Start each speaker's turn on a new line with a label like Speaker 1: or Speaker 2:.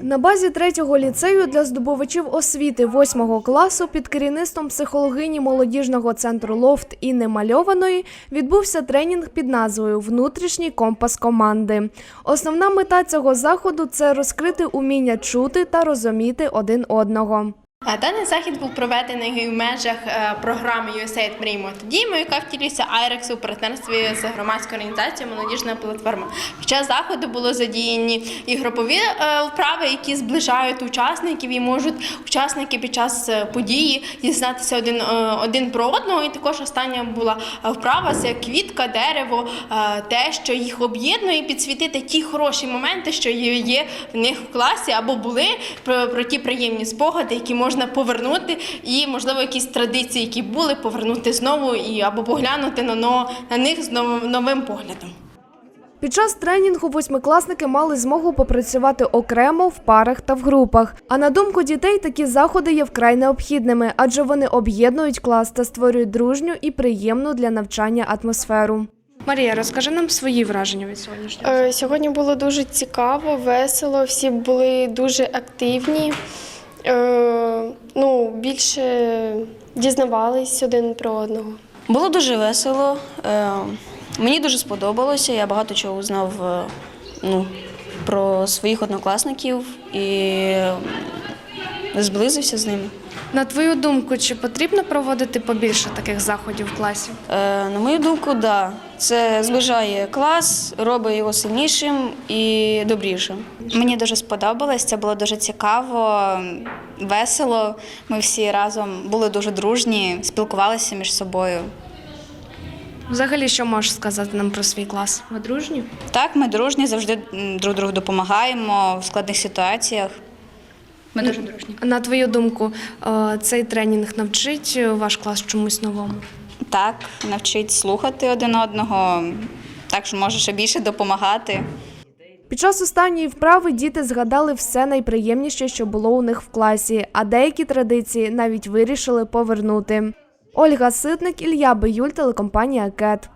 Speaker 1: На базі 3-го ліцею для здобувачів освіти 8-го класу під керівництвом психологині молодіжного центру «Лофт» Інни Мальованої відбувся тренінг під назвою «Внутрішній компас команди». Основна мета цього заходу – це розкрити уміння чути та розуміти один одного.
Speaker 2: Даний захід був проведений в межах програми USAID «Мріємо та діємо», яка втілюється Айрексу у партнерстві з громадською організацією «Молодіжна платформа». Під час заходу було задіяні і групові вправи, які зближають учасників і можуть учасники під час події дізнатися один про одного. І також остання була вправа – це квітка, дерево, те, що їх об'єднує, і підсвітити ті хороші моменти, що є в них в класі або були, про ті приємні спогади, які можна повернути, і, можливо, якісь традиції, які були, повернути знову або поглянути на них з новим поглядом.
Speaker 1: Під час тренінгу восьмикласники мали змогу попрацювати окремо, в парах та в групах. А на думку дітей, такі заходи є вкрай необхідними, адже вони об'єднують клас та створюють дружню і приємну для навчання атмосферу. Марія, розкажи нам свої враження від сьогоднішнього.
Speaker 3: Сьогодні було дуже цікаво, весело, всі були дуже активні. Більше дізнавались один про одного.
Speaker 4: Було дуже весело, мені дуже сподобалося, я багато чого узнав про своїх однокласників і зблизився з ними.
Speaker 1: На твою думку, чи потрібно проводити побільше таких заходів в класі?
Speaker 4: На мою думку, так. Да. Це зближає клас, робить його сильнішим і добрішим.
Speaker 5: Мені дуже сподобалось, це було дуже цікаво, весело. Ми всі разом були дуже дружні, спілкувалися між собою.
Speaker 1: Взагалі, що можеш сказати нам про свій клас? Ви дружні?
Speaker 5: Так, ми дружні, завжди друг другу допомагаємо в складних ситуаціях. Ми дуже дружні.
Speaker 1: На твою думку, цей тренінг навчить ваш клас чомусь новому?
Speaker 5: Так, навчить слухати один одного, так що може ще більше допомагати.
Speaker 1: Під час останньої вправи діти згадали все найприємніше, що було у них в класі, а деякі традиції навіть вирішили повернути. Ольга Ситник, Ілля Биюль, телекомпанія «КЕТ».